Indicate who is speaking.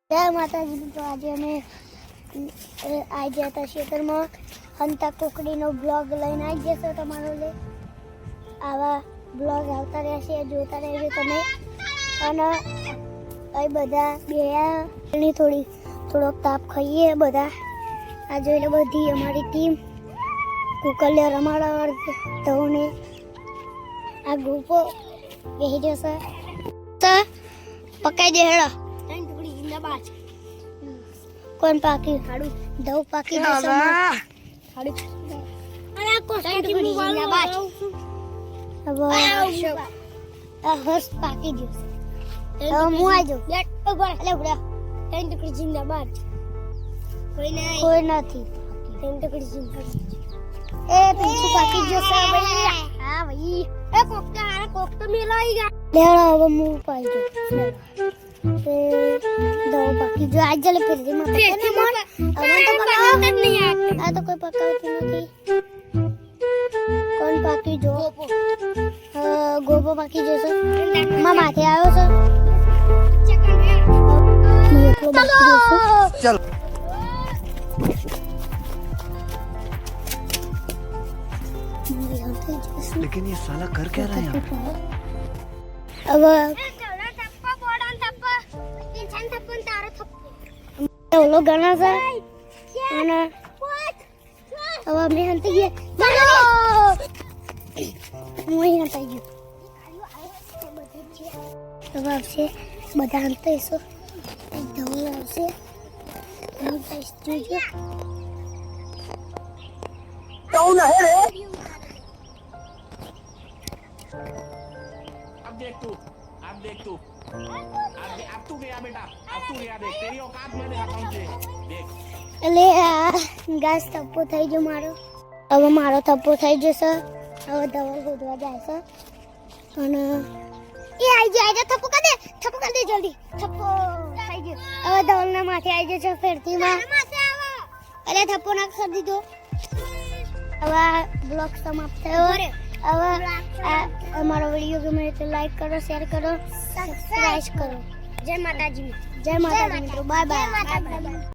Speaker 1: જય માતાજી। તો આજે અમે આવી ગયા હતા ખેતરમાં હંતા કોકડીનો બ્લોગ લઈને આવી જશો તમારો લે આવા બ્લોગ આવતા રહેશે જોતા રહેજો તમે। અને અહીં બધા બેની થોડોક તાપ ખાઈએ બધા। આ જોઈ લો બધી અમારી ટીમ કુકલિયા રમાડવા તોને આ ગ્રુપો બેસી જશે તો પકાઈ દે હેડો कौन पाकी हाडू दव पाकी हाडू अरे कोस्टी जिंदाबाद अब हर्ष पाकी जो अब मु आ जो लेट ऊपर ले उड़ा टेन टुकड़ी जिंदाबाद कोई नहीं टेन टुकड़ी जिंदाबाद ए पीछे पाकी जो सब हां भाई ए कोकता मिलाएगा लेड़ा अब मु पाई जो दो बाकी जो आज जले फिर दे मत अमन तो पकावत नहीं आ तो कोई पकावती नहीं कौन बाकी जो गोबो बाकी जो सर मां माथे आयो सर चलो
Speaker 2: लेकिन ये साला कर क्या रहा है यहाँ
Speaker 1: अब लोग गाना सा ana अब मैं हंते ये मैं हंता ये अब आपसे બધા હંતે છો એકદમ આવશે હું ટેસ્ટ જોજો
Speaker 2: कौन है रे
Speaker 3: अब देख तू अब तू गया बेटा अब तू गया देख तेरी औकात मैं दिखाता हूं तुझे देख
Speaker 1: એટલે ગાસ થપ્પો થઈ ગયો મારો હવે મારો થપ્પો થઈ જશે હવે ધવલ ગોદવા જાય છે અને એ આવી જાય થપ્પો કર દે જલ્દી થપ્પો થઈ ગયો હવે ધવલના માથે આવી જશે ફેરતીમાં એટલે થપ્પો ના કરી દીધો હવે બ્લોગ સમાપ્ત થયો હવે અમારો વિડીયો ગમે તો લાઈક કરો શેર કરો સબસ્ક્રાઇબ કરો જય માતાજી મિત્રો બાય બાય।